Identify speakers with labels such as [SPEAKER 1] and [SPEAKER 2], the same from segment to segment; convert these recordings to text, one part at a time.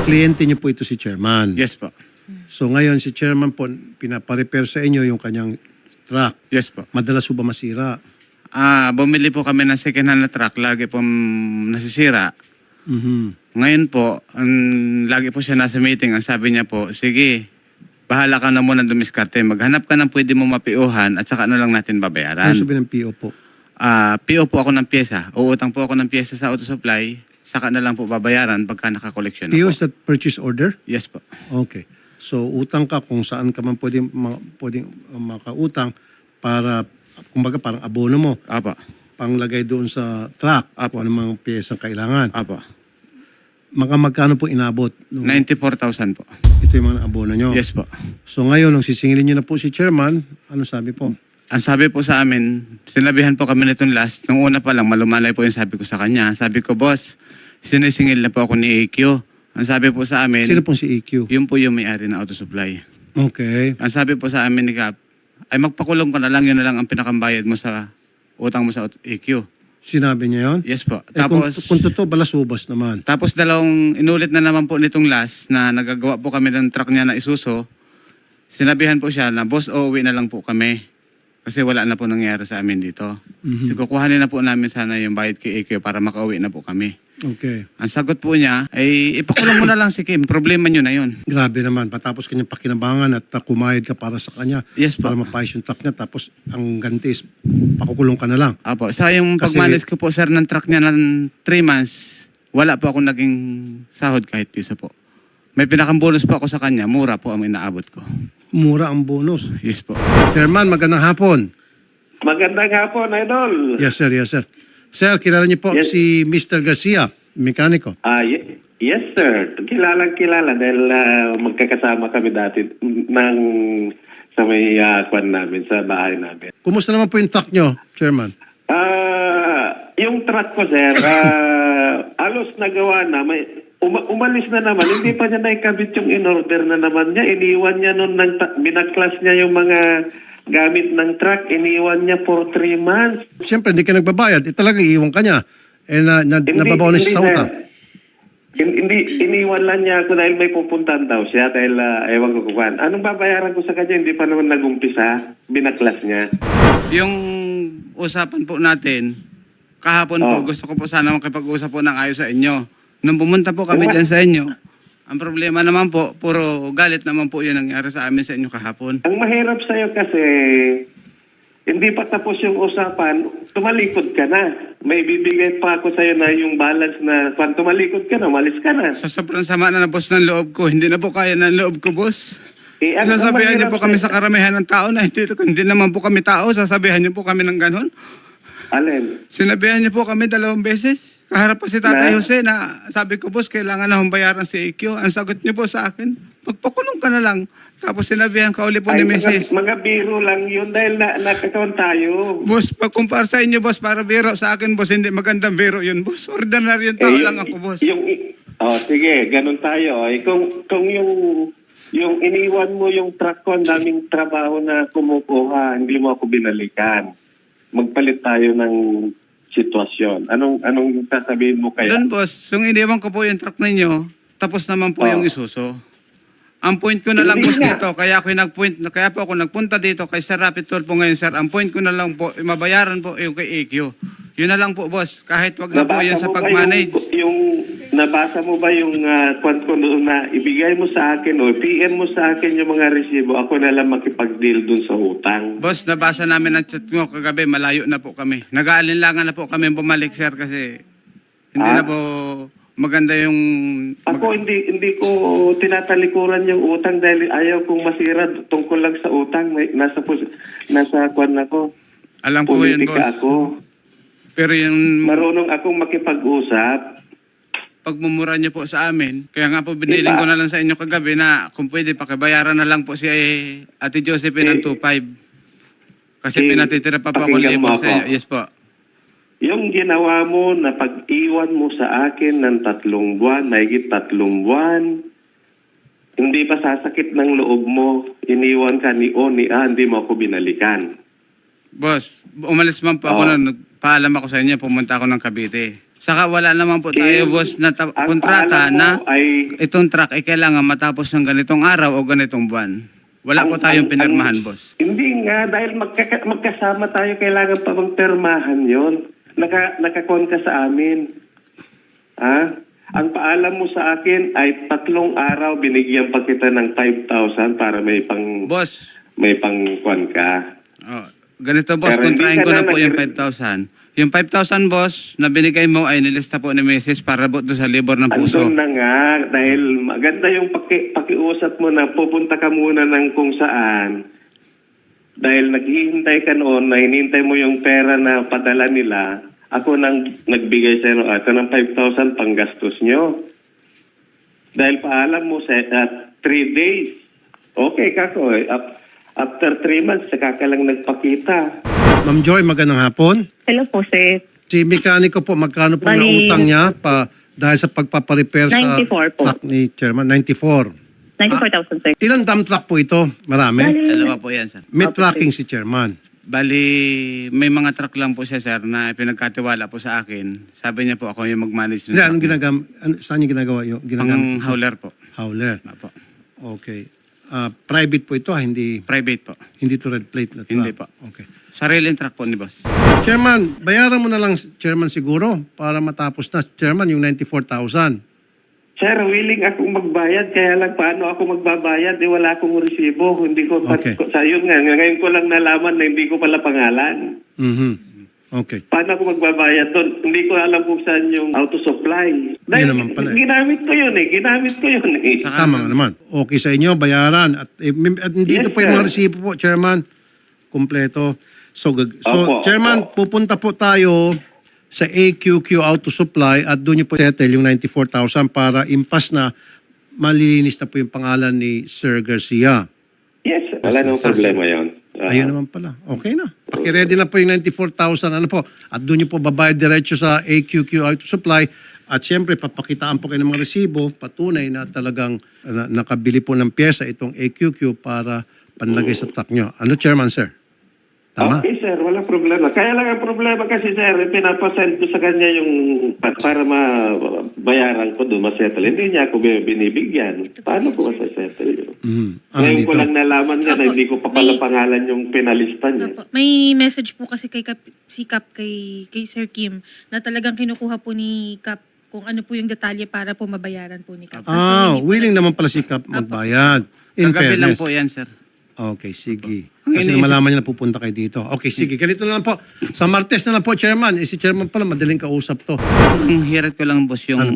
[SPEAKER 1] Kliyente niyo po ito si Chairman.
[SPEAKER 2] Yes po.
[SPEAKER 1] So ngayon si Chairman po pinaparepair sa inyo yung kanyang truck.
[SPEAKER 2] Yes po.
[SPEAKER 1] Madalas po ba masira?
[SPEAKER 2] Bumili po kami ng second hand na truck. Lagi po nasisira. Ngayon po, lagi po siya nasa meeting. Ang sabi niya po, sige, bahala ka na muna dumiskarte. Maghanap ka ng pwede mo mapiuhan at saka ano lang natin babayaran.
[SPEAKER 1] Ano sabi ng PO po?
[SPEAKER 2] PO po ako ng pyesa. Uutang po ako ng pyesa sa auto supply. Saka na lang po babayaran pagka nakakoleksyon na
[SPEAKER 1] PO
[SPEAKER 2] po.
[SPEAKER 1] is that purchase order?
[SPEAKER 2] Yes po.
[SPEAKER 1] Okay. So utang ka kung saan ka man pwedeng makautang para, kumbaga parang abono mo,
[SPEAKER 2] Apa.
[SPEAKER 1] panglagay doon sa truck,
[SPEAKER 2] Apo.
[SPEAKER 1] kung anong mga piyesang kailangan.
[SPEAKER 2] Apa.
[SPEAKER 1] Magkano po inabot?
[SPEAKER 2] 94,000 po.
[SPEAKER 1] Ito yung mga abono nyo.
[SPEAKER 2] Yes po.
[SPEAKER 1] So ngayon, nung sisingilin nyo na po si Chairman, ano sabi po?
[SPEAKER 2] Ang sabi po sa amin, sinabihan po kami nitong last, nung una pa lang, malumalay po yung sabi ko sa kanya. Sabi ko, boss, sinisingil na po ako ni AQ. Ang sabi po sa amin,
[SPEAKER 1] Sino pong si EQ?
[SPEAKER 2] yun po yung may-ari ng auto supply.
[SPEAKER 1] Okay.
[SPEAKER 2] Ang sabi po sa amin ni Cap, ay magpakulong ka na lang, yun na lang ang pinakambayad mo sa utang mo sa AQ.
[SPEAKER 1] Sinabi niya yun?
[SPEAKER 2] Yes po.
[SPEAKER 1] Tapos, kung totoo, balasubas naman.
[SPEAKER 2] Tapos inulit na naman po nitong last na nagagawa po kami ng truck niya na Isuzu. Sinabihan po siya na, boss, uuwi na lang po kami. Kasi wala na po nangyari sa amin dito. So kukuhanin na po namin sana yung bayad kay AQ para makauwi na po kami.
[SPEAKER 1] Okay.
[SPEAKER 2] Ang sagot po niya ay ipakulong mo na lang si Kim. Problema niyo na yun.
[SPEAKER 1] Grabe naman. Patapos kanyang pakinabangan at kumayad ka para sa kanya.
[SPEAKER 2] Yes po.
[SPEAKER 1] Para mapayos yung truck niya. Tapos ang ganti is pakukulong ka na lang.
[SPEAKER 2] Apo, sa yung
[SPEAKER 1] Kasi-
[SPEAKER 2] pagmanage ko po sir ng truck niya ng 3 months, wala po akong naging sahod kahit piso po. May pinakambonus po ako sa kanya, mura po ang inaabot ko.
[SPEAKER 1] Mura ang bonus.
[SPEAKER 2] Yes po.
[SPEAKER 1] Chairman, magandang hapon.
[SPEAKER 3] Magandang hapon, Idol.
[SPEAKER 1] Yes, sir. Yes, sir. Sir, kilala niyo po
[SPEAKER 3] Yes.
[SPEAKER 1] si Mr. Garcia, mekaniko.
[SPEAKER 3] Yes, sir. Kilalang-kilala dahil magkakasama kami dati sa may kwan namin, sa bahay namin.
[SPEAKER 1] Kumusta naman po yung truck niyo, Chairman?
[SPEAKER 3] Yung truck ko, sir, alos nagawa na. Umalis na naman. Hindi pa niya naikabit yung in-order na naman niya. Iniwan niya nun, binaklas niya yung mga gamit ng truck. Iniwan niya for 3 months.
[SPEAKER 1] Siyempre, hindi ka nagbabayad. Talaga iiwan ka niya. Nababaw na siya sa
[SPEAKER 3] sir.
[SPEAKER 1] utang.
[SPEAKER 3] Hindi, iniwan lang niya ako dahil may pupuntahan daw siya dahil ewan ko kung anong babayaran ko sa kanya, hindi pa naman nag-umpisa, binaklas niya.
[SPEAKER 2] Yung usapan po natin, kahapon po, gusto ko po sana makipag-usap po ng ayos sa inyo. Nung pumunta po kami dyan sa inyo, ang problema naman po, puro galit naman po yun nangyari sa amin sa inyo kahapon.
[SPEAKER 3] Ang mahirap sa'yo kasi, hindi pa tapos yung usapan, tumalikod ka na. May bibigay pa ako sa'yo na yung balance na, kung tumalikod ka na, umalis ka na.
[SPEAKER 2] Sa sobrang sama na boss ng loob ko, hindi na po kaya ng loob ko, boss.
[SPEAKER 3] Ang
[SPEAKER 2] Sasabihan niyo
[SPEAKER 3] mahirap
[SPEAKER 2] po kami
[SPEAKER 3] sa'yo-
[SPEAKER 2] sa karamihan ng tao na hindi naman po kami tao, sasabihan niyo po kami ng ganon.
[SPEAKER 3] Alin?
[SPEAKER 2] Sinabihan niyo po kami 2 beses. Kaharap pa si Tatay
[SPEAKER 3] Na?
[SPEAKER 2] Jose na sabi ko, boss, kailangan na hong bayaran si AQ. Ang sagot niyo po sa akin, magpakulong ka na lang. Tapos sinabihan ka uli po ni Mrs.
[SPEAKER 3] Mga biro lang yun dahil nakakaon tayo.
[SPEAKER 2] Boss, pagkumpara sa inyo, boss, para biro sa akin, boss, hindi magandang biro yun, boss. Ordinary yung tao lang ako, boss.
[SPEAKER 3] Sige, ganun tayo. Kung yung iniwan mo yung truck ko, ang daming trabaho na kumukuha, hindi mo ako binalikan. Magpalit tayo ng sitwasyon. Anong sasabihin mo kaya?
[SPEAKER 2] Doon, boss, yung iniwan ko po yung truck ninyo, tapos naman po yung Isuzu. Ang point ko na lang,
[SPEAKER 3] Hindi
[SPEAKER 2] boss,
[SPEAKER 3] nga.
[SPEAKER 2] dito, kaya po ako nagpunta dito kay Sir Rapid Tour po ngayon, sir. Ang point ko na lang po, mabayaran po yung kay AQ. Yun na lang po, boss. Kahit wag na po yan sa pag-manage.
[SPEAKER 3] Nabasa mo ba yung kwan ko doon na ibigay mo sa akin o PM mo sa akin yung mga resibo? Ako na lang makipag-deal dun sa utang.
[SPEAKER 2] Boss, nabasa namin ang chat mo kagabi, malayo na po kami. Nag-aalinlangan na po kami bumalik, sir, kasi hindi na po maganda yung...
[SPEAKER 3] Ako hindi ko tinatalikuran yung utang dahil ayaw kong masira tungkol lang sa utang. Nasa kwan ako.
[SPEAKER 2] Alam ko yun,
[SPEAKER 3] Politika
[SPEAKER 2] boss.
[SPEAKER 3] ako.
[SPEAKER 2] Pero yung
[SPEAKER 3] Marunong akong makipag-usap.
[SPEAKER 2] pagmumura niyo po sa amin, kaya nga po biniling ko na lang sa inyo kagabi na kung pwede pakibayaran na lang po si Ate Josephine ng 2.5. Kasi pinatitira pa po ako
[SPEAKER 3] pakinggan mo
[SPEAKER 2] libo sa
[SPEAKER 3] ako.
[SPEAKER 2] inyo. Yes po.
[SPEAKER 3] Yung ginawa mo na pag-iwan mo sa akin ng 3 buwan, mahigit 3 buwan, hindi ba sasakit ng loob mo? Iniwan ka ni O, ni A, hindi mo ako binalikan.
[SPEAKER 2] Boss, umalis man po ako na nagpaalam ako sa inyo, pumunta ako ng Cavite. Saka wala naman po tayo, boss, na
[SPEAKER 3] ang
[SPEAKER 2] kontrata
[SPEAKER 3] paalam mo
[SPEAKER 2] na
[SPEAKER 3] ay
[SPEAKER 2] itong truck ay kailangan matapos ng ganitong araw o ganitong buwan. Wala po tayong pinirmahan, boss.
[SPEAKER 3] Hindi nga, dahil magkasama tayo, kailangan pa bang permahan yon. Nakakon ka sa amin. Ang paalam mo sa akin ay 3 araw binigyan pa kita ng 5,000 para
[SPEAKER 2] Boss,
[SPEAKER 3] may pangkuan ka.
[SPEAKER 2] ganito, boss,
[SPEAKER 3] Pero hindi
[SPEAKER 2] kontrahin
[SPEAKER 3] ka
[SPEAKER 2] ko na
[SPEAKER 3] na
[SPEAKER 2] po yung 5,000. Yung 5,000, boss, na binigay mo ay nilista po ni Mrs. para po doon sa libor ng puso.
[SPEAKER 3] Andun na nga, dahil maganda yung pakiusap mo na pupunta ka muna ng kung saan. Dahil naghihintay ka noon, na hinintay mo yung pera na padala nila, ako nang nagbigay sa inyo, ito ng 5,000 panggastos nyo. Dahil paalam mo sa 3 days. Okay, kako. After 3 months, saka ka lang nagpakita.
[SPEAKER 1] Ma'am Joy, magandang hapon.
[SPEAKER 4] Hello po, sir.
[SPEAKER 1] Si mekaniko po, magkano po
[SPEAKER 4] Bali,
[SPEAKER 1] nautang niya dahil sa pagpaparepair sa
[SPEAKER 4] 94 po.
[SPEAKER 1] truck ni Chairman? 94.
[SPEAKER 4] 94,000, sir.
[SPEAKER 1] Ilang dump truck po ito? Marami?
[SPEAKER 2] Dalawa po yan, sir.
[SPEAKER 1] May tracking si Chairman.
[SPEAKER 2] Bali, may mga truck lang po siya, sir, na pinagkatiwala po sa akin. Sabi niya po ako yung mag-manage ng
[SPEAKER 1] Hindi, anong
[SPEAKER 2] truck.
[SPEAKER 1] saan niya ginagawa yung
[SPEAKER 2] Ang hauler po.
[SPEAKER 1] hauler?
[SPEAKER 2] Apo.
[SPEAKER 1] Okay. Private po ito, hindi
[SPEAKER 2] Private po.
[SPEAKER 1] to red plate na truck?
[SPEAKER 2] Hindi po.
[SPEAKER 1] Okay.
[SPEAKER 2] Sariling truck po ni boss.
[SPEAKER 1] Chairman, bayaran mo na lang, Chairman, siguro para matapos na. Chairman, yung 94,000.
[SPEAKER 3] Sir, willing akong magbayad, kaya lang paano ako magbabayad? Wala akong resibo. Hindi ko,
[SPEAKER 1] Okay.
[SPEAKER 3] sa yun nga, ngayon ko lang nalaman na hindi ko pala pangalan.
[SPEAKER 1] Okay.
[SPEAKER 3] Paano ako magbabayad doon? Hindi ko alam kung saan yung auto supply. Dahil
[SPEAKER 1] naman pala eh.
[SPEAKER 3] ginamit ko yun eh.
[SPEAKER 1] Tama nga naman. Okay sa inyo, bayaran. At dito
[SPEAKER 3] Yes,
[SPEAKER 1] po yung mga
[SPEAKER 3] sir.
[SPEAKER 1] resibo po, Chairman. Kompleto. So,
[SPEAKER 3] Opo,
[SPEAKER 1] Chairman,
[SPEAKER 3] opo.
[SPEAKER 1] pupunta po tayo sa AQQ Auto Supply at doon niyo po settle yung 94,000 para impas na malilinis na po yung pangalan ni Sir Garcia.
[SPEAKER 3] Yes, wala namang problema yun.
[SPEAKER 1] Ayun naman pala. Okay na. Pakiready na po yung 94,000. Ano po? At doon niyo po babayad diretso sa AQQ Auto Supply. At siyempre, papakitaan po kayo ng mga resibo, patunay na talagang nakabili po ng pyesa itong AQQ para panlagay sa truck nyo. Ano, Chairman, sir? Tama?
[SPEAKER 3] Okay, sir. Walang problema. Kaya lang ang problema kasi, sir, pinapasend ko sa kanya yung para mabayaran ko doon, masettle. Hindi niya ako binibigyan. Paano ko masasettle yun? Ngayon ko lang nalaman niya na hindi ko pa pala pangalan yung pinalista niya.
[SPEAKER 5] Opo. May message po kasi kay kay Sir Kim na talagang kinukuha po ni Cap kung ano po yung detalye para po mabayaran po ni Cap. Kaso hindi po
[SPEAKER 1] Willing naman pala si Cap magbayad. In
[SPEAKER 2] Kagabi lang
[SPEAKER 1] fairness.
[SPEAKER 2] po yan, sir.
[SPEAKER 1] Okay, sige.
[SPEAKER 2] Ang
[SPEAKER 1] Kasi
[SPEAKER 2] iniisip-
[SPEAKER 1] malaman niya na pupunta kayo dito. Okay, sige. Ganito na lang po. Sa Martes na lang po, Chairman. Si Chairman pala, madaling kausap to.
[SPEAKER 2] Ang hirit ko lang, boss, yung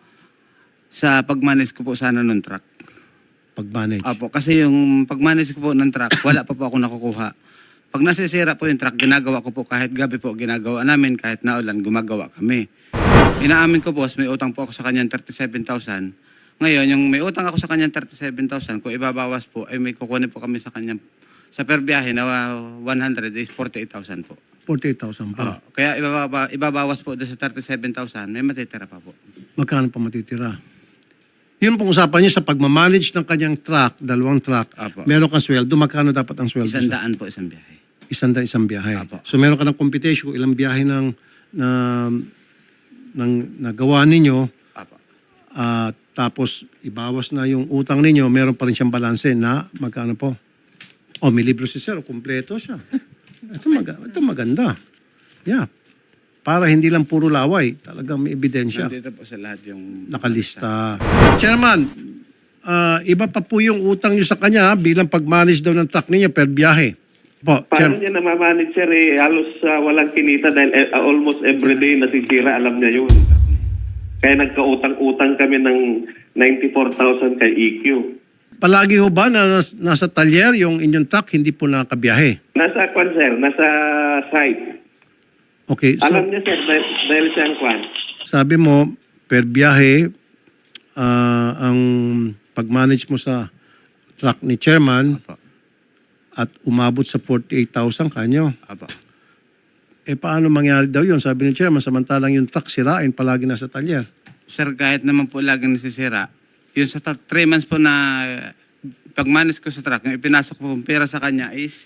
[SPEAKER 2] sa pag-manage ko po sana ng truck.
[SPEAKER 1] Pag-manage.
[SPEAKER 2] Apo, kasi yung pag-manage ko po ng truck, wala pa po ako nakukuha. Pag nasisira po yung truck, ginagawa ko po kahit gabi po ginagawa namin, kahit naulan, gumagawa kami. Inaamin ko, boss, may utang po ako sa kanyang 37,000. Ngayon, yung may utang ako sa kanyang 37,000, kung ibabawas po, ay may kukunin po kami sa kanyang, sa per biyahe na 100 is 48,000 po.
[SPEAKER 1] 48,000 pa.
[SPEAKER 2] Kaya ibabawas po doon sa 37,000, may matitira pa po.
[SPEAKER 1] Magkano pa matitira? Yun pong usapan niyo sa pagmamanage ng kanyang truck, 2 truck.
[SPEAKER 2] Apo.
[SPEAKER 1] Meron kang sweldo. Magkano dapat ang sweldo?
[SPEAKER 2] 100 po isang biyahe.
[SPEAKER 1] Isang biyahe.
[SPEAKER 2] Apo.
[SPEAKER 1] So meron ka ng computation kung ilang biyahe nagawa ninyo.
[SPEAKER 2] Apo.
[SPEAKER 1] Tapos ibawas na yung utang ninyo, meron pa rin siyang balanse na magkano po? May libro si Sir, kumpleto siya. Ito maganda. Yeah. Para hindi lang puro laway, talagang may ebidensya.
[SPEAKER 2] Nandito po sa lahat yung
[SPEAKER 1] Nakalista. Chairman, iba pa po yung utang nyo sa kanya bilang pag-manage daw ng truck ninyo per biyahe. Po,
[SPEAKER 3] Paano niya namamanage, sir? Halos walang kinita dahil almost everyday nasisira, alam niya yun. Kaya nagkautang-utang kami ng 94,000 kay EQ.
[SPEAKER 1] Palagi ho ba na nasa talyer yung inyong truck, hindi po nakabiyahe?
[SPEAKER 3] Nasa kwan, sir. Nasa site.
[SPEAKER 1] Okay, so
[SPEAKER 3] Alam niya, sir, dahil siya ang kwan.
[SPEAKER 1] sabi mo, per biyahe, ang pag-manage mo sa truck ni Chairman
[SPEAKER 2] Apo.
[SPEAKER 1] at umabot sa 48,000 kanyo.
[SPEAKER 2] Apo.
[SPEAKER 1] Paano mangyari daw yun? Sabi ni Chairman, samantalang yung truck sirain, palagi nasa talyer.
[SPEAKER 2] Sir, kahit naman po laging nasisira, yung sa 3 months po na pag-manage ko sa truck, yung ipinasok po yung pera sa kanya is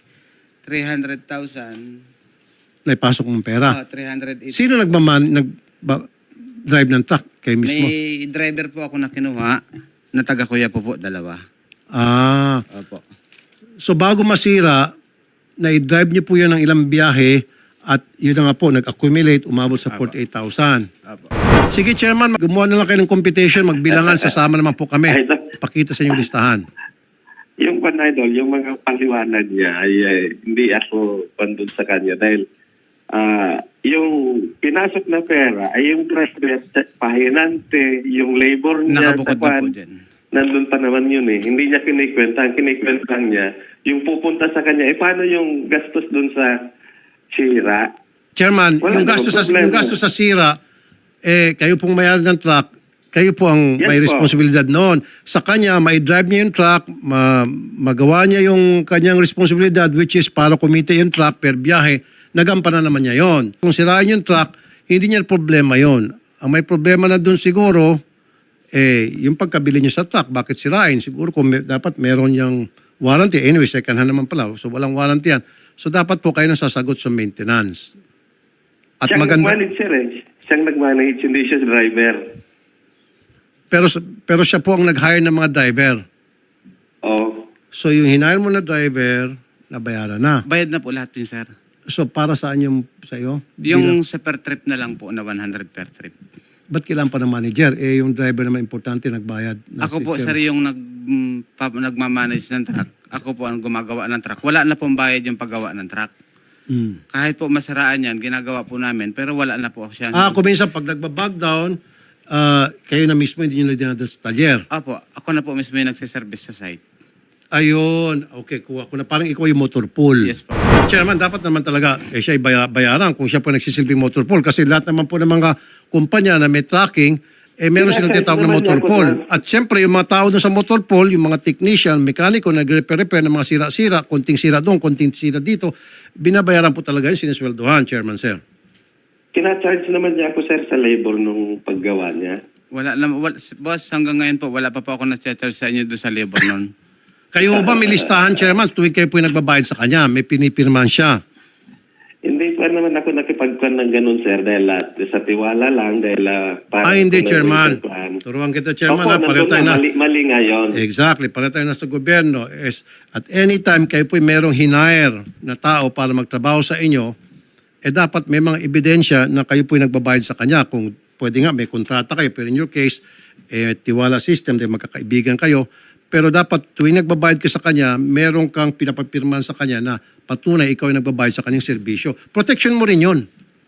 [SPEAKER 2] 300,000.
[SPEAKER 1] Naipasok mong pera.
[SPEAKER 2] 380.
[SPEAKER 1] Sino nag-drive ng truck? Kayo mismo?
[SPEAKER 2] May driver po ako na kinuha, na taga Kuya po, dalawa.
[SPEAKER 1] Ah,
[SPEAKER 2] Opo.
[SPEAKER 1] so bago masira, na-drive niyo po yun ng ilang biyahe at yun na nga po, nag-accumulate, umabot sa 48,000.
[SPEAKER 2] Opo.
[SPEAKER 1] Sige, Chairman, gumawa na lang kayo ng competition, magbilangan, sasama naman po kami. Pakita sa inyong listahan.
[SPEAKER 3] Yung Idol, yung mga paliwanag niya ay hindi ako pandun sa kanya dahil yung pinasok na pera ay yung driver, pahinante, yung labor niya,
[SPEAKER 2] Nakabukod na po dyan.
[SPEAKER 3] nandun pa naman yun eh. Hindi niya kinikwenta. Ang kinikwenta niya, yung pupunta sa kanya, paano yung gastos dun sa sira?
[SPEAKER 1] Chairman,
[SPEAKER 3] Wala
[SPEAKER 1] yung
[SPEAKER 3] namang
[SPEAKER 1] gastos,
[SPEAKER 3] problema.
[SPEAKER 1] yung gastos sa sira, kayo pong mayari ng truck, kayo po ang
[SPEAKER 3] Yes
[SPEAKER 1] may
[SPEAKER 3] po.
[SPEAKER 1] responsibilidad noon. Sa kanya, may drive niya yung truck, magawa niya yung kanyang responsibilidad, which is para kumita yung truck per biyahe, nagampanan naman niya yon. Kung sirain yung truck, hindi niya problema yon. Ang may problema na doon siguro, yung pagkabili niya sa truck, bakit sirain? Siguro kung dapat meron niyang warranty. Anyway, second hand naman pala. So walang warranty yan. So dapat po kayo nang sasagot sa maintenance. At
[SPEAKER 3] Siyang
[SPEAKER 1] maganda.
[SPEAKER 3] nag-manage sir eh. Siyang nag-manage, hindi siya driver.
[SPEAKER 1] Pero siya po ang nag-hire ng mga driver.
[SPEAKER 3] Oh.
[SPEAKER 1] So yung hinire mo na driver, nabayaran na.
[SPEAKER 2] Bayad na po lahat yun, sir.
[SPEAKER 1] So para saan yung sa iyo?
[SPEAKER 2] Yung sa per trip na lang po, na 100 per trip.
[SPEAKER 1] Ba't kailangan pa ng manager? Yung driver naman importante, nagbayad. Na
[SPEAKER 2] Ako
[SPEAKER 1] si
[SPEAKER 2] po,
[SPEAKER 1] Chairman.
[SPEAKER 2] sir, yung nagmamanage ng truck. Ako po ang gumagawa ng truck. Wala na pong bayad yung paggawa ng truck.
[SPEAKER 1] Mm.
[SPEAKER 2] Kahit po masaraan yan, ginagawa po namin, pero wala na po siya.
[SPEAKER 1] Kung minsan pag nagbabag down, kayo na mismo hindi nyo na dinadala sa talyer.
[SPEAKER 2] Opo, ako na po mismo yung nagsiservice sa site.
[SPEAKER 1] Ayun. Okay, kuha ko na. Parang ikaw yung motor pool.
[SPEAKER 2] Yes po.
[SPEAKER 1] Chairman, dapat naman talaga siya bayaran kung siya po nagsisilbing motor pool. Kasi lahat naman po ng mga kumpanya na may tracking, meron silang tinatawag na motor pool. At siyempre, yung mga tao doon sa motor pool, yung mga technician, mekaniko, nag-repair ng mga sira-sira, konting sira doon, konting sira dito, binabayaran po talaga yung sinisweldohan, Chairman, sir.
[SPEAKER 3] Kina-charge naman niya ako sir sa labor nung paggawa niya.
[SPEAKER 2] Boss, hanggang ngayon po, wala pa po ako na-charge sa inyo doon sa labor noon.
[SPEAKER 1] Kayo ba may listahan, Chairman, tuwing kayo po yung nagbabayad sa kanya, may pinipirman siya.
[SPEAKER 3] Hindi pa naman ako nakipagkuhan ng ganun, sir, dahil sa tiwala lang, dahil para...
[SPEAKER 1] Hindi,
[SPEAKER 3] kung
[SPEAKER 1] Chairman.
[SPEAKER 3] nagpipagkuhan.
[SPEAKER 1] Turuan kita, Chairman.
[SPEAKER 3] Opo,
[SPEAKER 1] Ha? Pareho
[SPEAKER 3] nandun
[SPEAKER 1] tayo na.
[SPEAKER 3] mali nga yun.
[SPEAKER 1] Exactly. Pareho tayo na sa gobyerno. At anytime kayo po merong hinire na tao para magtrabaho sa inyo, dapat may mga ebidensya na kayo po nagbabayad sa kanya. Kung pwede nga, may kontrata kayo. Pero in your case, tiwala system, dahil magkakaibigan kayo. Pero dapat tuwing nagbabayad ka sa kanya, meron kang pinapapirman sa kanya na patunay ikaw ay nagbabayad sa kanyang serbisyo. Protection mo rin yun.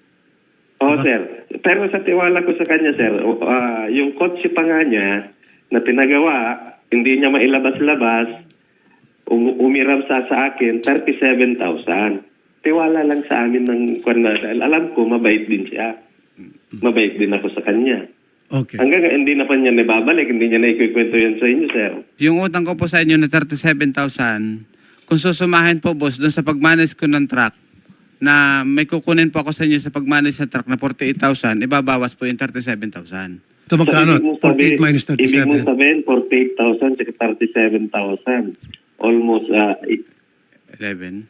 [SPEAKER 3] Oo, sir. Pero sa tiwala ko sa kanya, sir, yung kotse pa nga niya na pinagawa, hindi niya mailabas-labas, umiram sa akin, 37,000. Tiwala lang sa amin ng dahil alam ko, mabait din siya. Mabait din ako sa kanya.
[SPEAKER 1] Okay.
[SPEAKER 3] Hanggang hindi na pa niya nababalik, hindi niya na ikikwento yan sa inyo, sir.
[SPEAKER 2] Yung utang ko po sa inyo na 37,000, kung susumahin po, boss, doon sa pagmanage ko ng truck, na may kukunin po ako sa inyo sa pagmanage ng truck na 48,000, ibabawas po yung 37,000.
[SPEAKER 1] Ito magkano?
[SPEAKER 3] ibig mong
[SPEAKER 1] 48 minus
[SPEAKER 3] Ibig mong
[SPEAKER 1] 37.
[SPEAKER 3] sabihin, 48,000 saka 37,000. Almost
[SPEAKER 2] 11.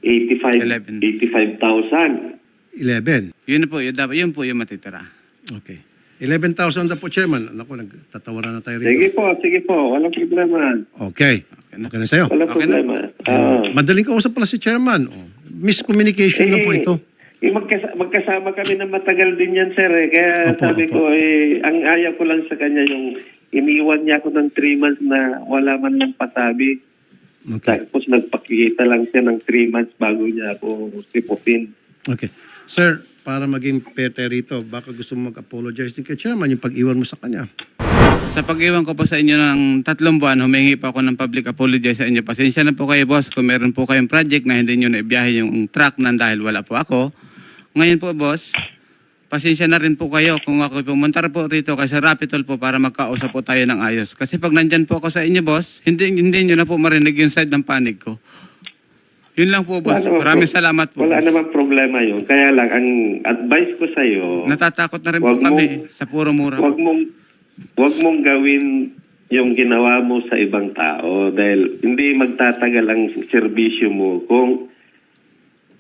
[SPEAKER 3] 85,000.
[SPEAKER 1] 11.
[SPEAKER 2] Yun po, yun po yung matitira.
[SPEAKER 1] Okay. 11,000 na po, Chairman. Ako, nagtatawaran na tayo rito.
[SPEAKER 3] Sige po. Walang problema.
[SPEAKER 1] Okay. Okay na sa'yo.
[SPEAKER 3] Walang
[SPEAKER 2] Okay na
[SPEAKER 3] problema.
[SPEAKER 1] Madaling kausap pala si Chairman. Miscommunication na po ito.
[SPEAKER 3] Magkasama kami na matagal din yan, sir. Kaya
[SPEAKER 1] Opo,
[SPEAKER 3] sabi
[SPEAKER 1] opo.
[SPEAKER 3] ko, ang ayaw ko lang sa kanya yung iniwan niya ako ng 3 months na wala man lang pasabi.
[SPEAKER 1] Okay.
[SPEAKER 3] Tapos nagpakikita lang siya ng 3 months bago niya ako sipupin.
[SPEAKER 1] Okay. Sir, para maging pete rito, baka gusto mo mag-apologize din kay Chairman yung pag-iwan mo sa kanya.
[SPEAKER 2] Sa pag-iwan ko po sa inyo ng 3 buwan, humingi pa ako ng public apology sa inyo. Pasensya na po kayo, boss, kung meron po kayong project na hindi nyo naibiyahe yung truck na dahil wala po ako. Ngayon po, boss, pasensya na rin po kayo kung ako pumunta po rito kasi Rapitol po para magkausap po tayo ng ayos. Kasi pag nandyan po ako sa inyo, boss, hindi nyo na po marinig yung side ng panig ko. Yun lang po, boss. Maraming salamat po.
[SPEAKER 3] Wala
[SPEAKER 2] boss.
[SPEAKER 3] namang problema yun. Kaya lang, ang advice ko sa'yo,
[SPEAKER 2] Natatakot na rin po
[SPEAKER 3] Wag mo-
[SPEAKER 2] kami sa puro mura po.
[SPEAKER 3] wag mong gawin yung ginawa mo sa ibang tao dahil hindi magtatagal ang serbisyo mo kung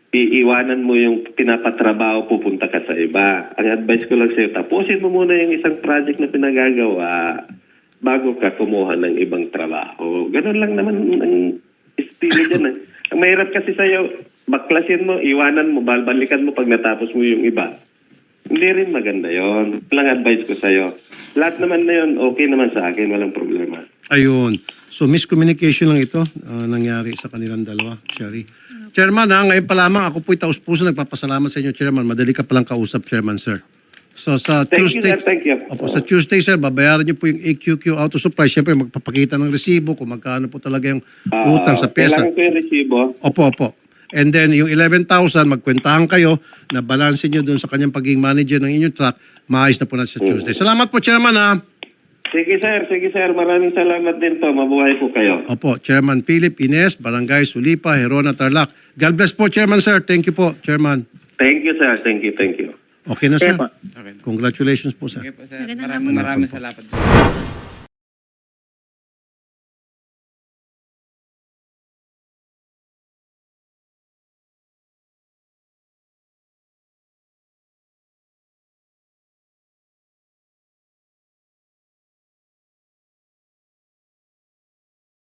[SPEAKER 3] iiwanan mo yung pinapatrabaho, pupunta ka sa iba. Ang advice ko lang sa'yo, tapusin mo muna yung isang project na pinagagawa bago ka kumuha ng ibang trabaho. Ganun lang naman ang estilo dyan. Ang mahirap kasi sa'yo, baklasin mo, iwanan mo, balbalikan mo pag natapos mo yung iba. Hindi rin maganda yon. Lang advice ko sa'yo. Lahat naman na yun, okay naman sa akin, walang problema.
[SPEAKER 1] Ayun. So, miscommunication lang ito nangyari sa kanilang dalawa, Sherry. Chairman, ngayon pa lamang, ako po'y taus-puso nagpapasalamat sa inyo, Chairman. Madali ka palang kausap, Chairman, sir. So, sa
[SPEAKER 3] Thank you,
[SPEAKER 1] Tuesday,
[SPEAKER 3] sir. Thank you.
[SPEAKER 1] Opo, sa Tuesday, sir, babayaran niyo po yung AQQ auto supply. Siyempre, magpapakita ng resibo kung magkano po talaga yung utang sa pyesa.
[SPEAKER 3] Kailangan ko yung resibo.
[SPEAKER 1] Opo. And then, yung 11,000, magkwentahan kayo na balansin nyo dun sa kanyang pagiging manager ng inyong truck, maayos na po natin sa Tuesday. Salamat po, Chairman, ha?
[SPEAKER 3] Sige, sir. Maraming salamat din po. Mabuhay po kayo.
[SPEAKER 1] Opo, Chairman Philip Ines, Barangay Sulipa, Herona, Tarlac. God bless po, Chairman, sir. Thank you po, Chairman.
[SPEAKER 3] Thank you, sir. Thank you.
[SPEAKER 1] Okay na, sir.
[SPEAKER 2] Okay.
[SPEAKER 1] Congratulations po, sir.
[SPEAKER 2] Okay po, sir.
[SPEAKER 5] Magandang hapon.
[SPEAKER 2] Maraming salamat.